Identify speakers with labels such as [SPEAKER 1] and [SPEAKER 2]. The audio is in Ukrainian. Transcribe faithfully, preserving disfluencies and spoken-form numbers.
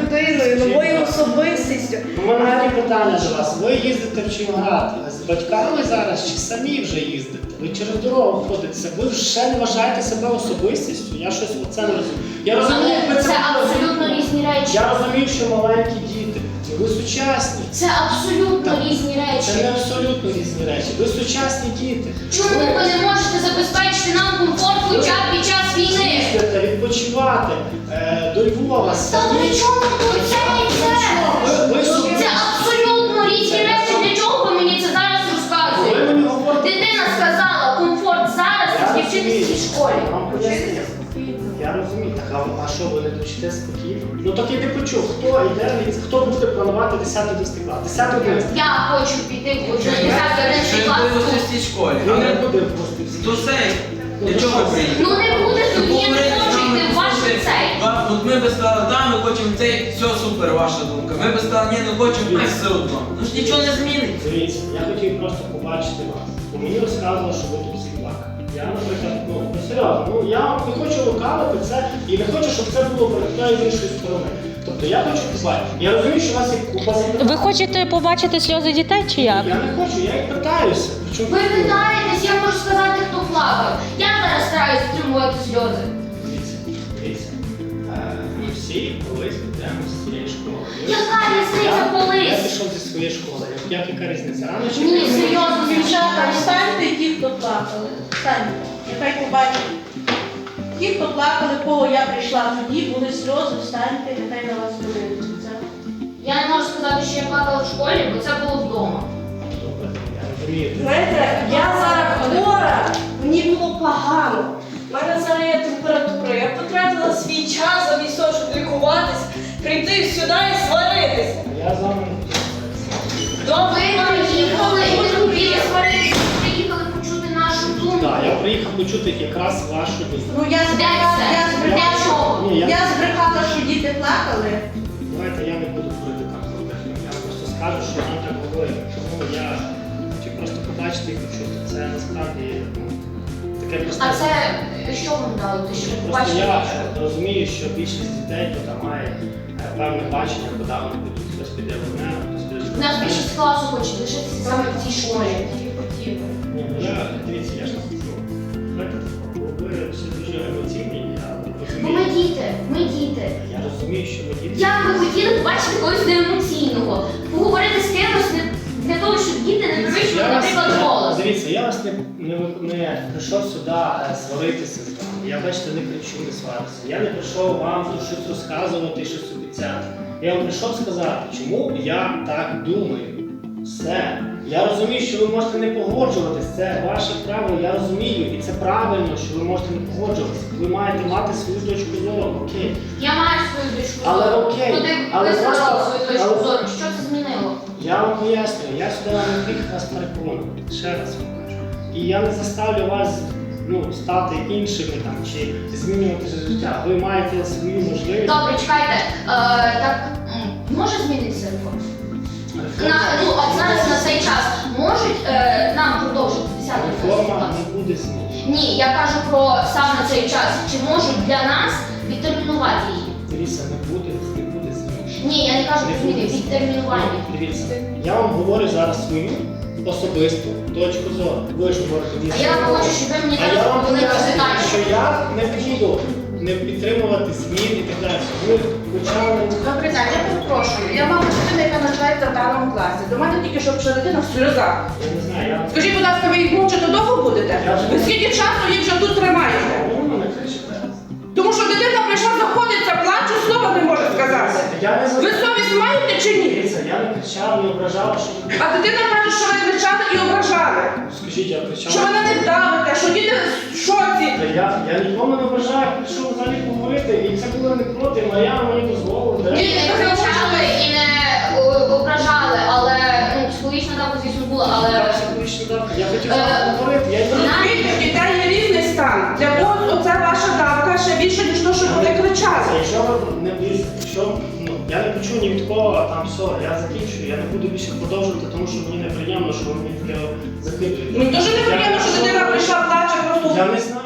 [SPEAKER 1] людиною, новою особистістю.
[SPEAKER 2] У мене такі питання до вас. Ви їздите в Червоноград з батьками зараз чи самі вже їздите? Ви через дорогу ходите, ви вже не вважаєте себе особистістю? Я щось оце не розумію. Я розумію,
[SPEAKER 3] Ні,
[SPEAKER 2] ви
[SPEAKER 3] це абсолютно різні речі.
[SPEAKER 2] Я розумію, що маленькі діти, ви сучасні.
[SPEAKER 3] Це абсолютно
[SPEAKER 2] Так,
[SPEAKER 3] різні речі.
[SPEAKER 2] Це не абсолютно різні речі. Ви сучасні діти.
[SPEAKER 3] Чому ви не можете забезпечити нам комфорт хоча б під час війни?
[SPEAKER 2] Їздите, відпочивати е, до Львова.
[SPEAKER 3] Та при чому тут це і це?
[SPEAKER 2] Ви, ви собі...
[SPEAKER 3] Це абсолютно різні речі. Для чого ви мені це зараз
[SPEAKER 2] Ви
[SPEAKER 3] розказуєте?
[SPEAKER 2] мені говорите.
[SPEAKER 3] Дитина сказала, комфорт зараз
[SPEAKER 2] Я
[SPEAKER 3] і вчитися в цій школі.
[SPEAKER 2] Я вам поясню. Я розумію, так, а, а що ви не довчите спокійно? Ну так я не почув, хто йде, хто буде планувати десятий-одинадцятий клас? десятий-одинадцятий.
[SPEAKER 3] Я хочу піти в десятий одинадцятий клас.
[SPEAKER 4] в цій школі.
[SPEAKER 2] Він не буде просто всі.
[SPEAKER 4] То все, для чого ви приїхали?
[SPEAKER 3] Ну не буде тоді, я не хочу йти в ваш ліцей.
[SPEAKER 4] От ми би сказали, так, ми хочемо цей, все супер, ваша думка. Ми би сказали, ні, не хочемо, а все одно. Ну ж нічого не зміниться.
[SPEAKER 2] Дивіться, я хотів просто побачити вас. Бо мені розказували, що ви тут всі плакали. Я, наприклад, ну, ну серйозно, ну я не хочу лукавити це і не хочу, щоб це було перед з іншої сторони. Тобто я хочу побачити. Я розумію, що у вас є купа запитань.
[SPEAKER 5] Ви хочете побачити сльози дітей чи як?
[SPEAKER 2] Я не хочу, я їх питаюся. Причому
[SPEAKER 3] Ви питаєтесь, я можу сказати, хто плакав. Я зараз стараюсь стримувати сльози.
[SPEAKER 2] Дивіться, дивіться. Е, Ми всі колись підемо з цієї школи.
[SPEAKER 3] Яка різниця
[SPEAKER 2] Я-
[SPEAKER 3] колись?
[SPEAKER 2] Я пішов зі своєї школи. Як яка різниця? Рано чи
[SPEAKER 3] Ні,
[SPEAKER 2] пізно?
[SPEAKER 3] серйозно, дівчата,
[SPEAKER 1] Встаньте ті, хто плакали. Встаньте. Нехай побачать. Ті, хто плакали, кого я прийшла тоді, були сльози, встаньте, нехай на вас подивляться.
[SPEAKER 3] я не можу сказати, що я плакала в школі, бо це було вдома.
[SPEAKER 2] Добре, я розумію.
[SPEAKER 1] Знаєте, я зараз хвора, мені було погано. У мене зараз є температура. Я потратила свій час замість того, щоб лікуватись, прийти сюди і сваритися.
[SPEAKER 2] Я з вами.
[SPEAKER 3] Ви приїхали і не хотіли сваритися, ви приїхали почути нашу думку.
[SPEAKER 2] Так, я приїхав почути якраз вашу думку.
[SPEAKER 1] Ну я
[SPEAKER 3] Де
[SPEAKER 1] збрехала,
[SPEAKER 3] це?
[SPEAKER 1] я
[SPEAKER 3] Для
[SPEAKER 1] збрехала,
[SPEAKER 3] чого?
[SPEAKER 2] Ні, я-
[SPEAKER 1] я збрехала, що діти плакали.
[SPEAKER 2] Давайте я не буду говорити там про техніку. Я просто скажу, що нам так говорили. Чому я хотів просто побачити і почути. Це насправді ну, таке просто.
[SPEAKER 3] А це що вам дало? Те, що ви
[SPEAKER 2] Просто
[SPEAKER 3] побачили?
[SPEAKER 2] я розумію, що більшість дітей тут має е, певне бачення, куди вони будуть. Хтось піде в одне, хтось піде в
[SPEAKER 3] У нас
[SPEAKER 2] друге.
[SPEAKER 3] більшість класу хоче лишитися саме в цій школі.
[SPEAKER 2] Ні, ну я, дивіться, я ж не скажу. Знаєте, ви всі дуже емоційні, я
[SPEAKER 3] Бо ми
[SPEAKER 2] розумію.
[SPEAKER 3] діти, ми діти.
[SPEAKER 2] Я розумію, що ви діти.
[SPEAKER 3] Як ви хотіли побачити когось неемоційного? Поговорити з кимось не- для того, щоб діти не підвищували,
[SPEAKER 2] Я вас-
[SPEAKER 3] наприклад, голос.
[SPEAKER 2] Дивіться, я вас не, не, не прийшов сюди е, сваритися з вами. Я, бачите, не кричу, не сварюся. Я не прийшов вам тут щось розказувати, щось обіцяти. Я вам прийшов сказати, чому я так думаю. Все. Я розумію, що ви можете не погоджуватись, це ваше право, я розумію. І це правильно, що ви можете не погоджуватися. Ви маєте мати свою точку зору, окей.
[SPEAKER 3] Я маю свою точку
[SPEAKER 2] Але
[SPEAKER 3] зору.
[SPEAKER 2] окей,
[SPEAKER 3] Туди
[SPEAKER 2] але
[SPEAKER 3] ви сказали
[SPEAKER 2] просто-
[SPEAKER 3] свою точку
[SPEAKER 2] але-
[SPEAKER 3] зору. Що це змінило?
[SPEAKER 2] Я вам пояснюю, я сюди не приїхав вас переконувати. Ще раз вам кажу. І я не заставлю вас ну, стати іншими там, чи змінювати життя. Ви маєте свою можливість.
[SPEAKER 3] Добре, чекайте. Е, так, м, може змінитися реформа? На, ну, а зараз на цей час можуть е, нам продовжити десятий
[SPEAKER 2] Реформа
[SPEAKER 3] клас?
[SPEAKER 2] не буде змінена.
[SPEAKER 3] Ні, я кажу про саме цей час. Чи можуть для нас відтермінувати її?
[SPEAKER 2] Дивіться, не буде, не буде зміни.
[SPEAKER 3] Ні, я не кажу
[SPEAKER 2] Не
[SPEAKER 3] про зміни,
[SPEAKER 2] буде.
[SPEAKER 3] відтермінування.
[SPEAKER 2] Ну, Дивіться, я вам говорю зараз свою особисту точку зору. Ви ж говорите мені.
[SPEAKER 3] А я хочу, щоб ви мені
[SPEAKER 2] А я
[SPEAKER 3] зараз
[SPEAKER 2] вам
[SPEAKER 3] відповіли
[SPEAKER 2] пояснюю,
[SPEAKER 3] питання.
[SPEAKER 2] що я не буду не підтримувати змін і так далі. Ви почали.
[SPEAKER 6] Добрий день, я перепрошую. Я мама дитина, яка навчається в даному класі. До мене тільки що прийшла дитина в сльозах.
[SPEAKER 2] Я не знаю, я.
[SPEAKER 6] Скажіть, будь ласка, ви їх мовчати довго будете? Ви скільки часу їх вже тут тримаєте?
[SPEAKER 2] Ви на мене кричите.
[SPEAKER 6] Тому що дитина прийшла, заходиться, плаче, слова не може сказати.
[SPEAKER 2] Я не
[SPEAKER 6] Ви совість маєте чи ні?
[SPEAKER 2] Дивіться, я не кричав, не ображав, що ви.
[SPEAKER 6] А дитина каже, що ви кричали і ображали.
[SPEAKER 2] Скажіть, я кричав.
[SPEAKER 6] Що ви на них давите, що діти в шоці.
[SPEAKER 2] Та Я, я нікому не ображаю, прийшов взагалі поговорити, і це було не проти, Мар'яна мені дозволила.
[SPEAKER 3] Ні,
[SPEAKER 2] директор.
[SPEAKER 3] не кричали і не о, ображали, але ну, психологічна давка, звісно, була, але
[SPEAKER 2] Я психологічно давка. Я хотів з
[SPEAKER 3] Е,
[SPEAKER 2] вами поговорити, я не
[SPEAKER 6] Розумієте, в дітей є різний стан. Для когось оце ваша давка ще більше, ніж то, що вони кричали.
[SPEAKER 2] Якщо ви не дивіться, якщо ну, я не почув ні від кого, там все, я закінчую, я не буду більше продовжувати, тому що мені неприємно, що ви мені таке закидуєте.
[SPEAKER 6] Мені дуже неприємно, що дитина прийшла, плаче, просто
[SPEAKER 2] Я не знаю.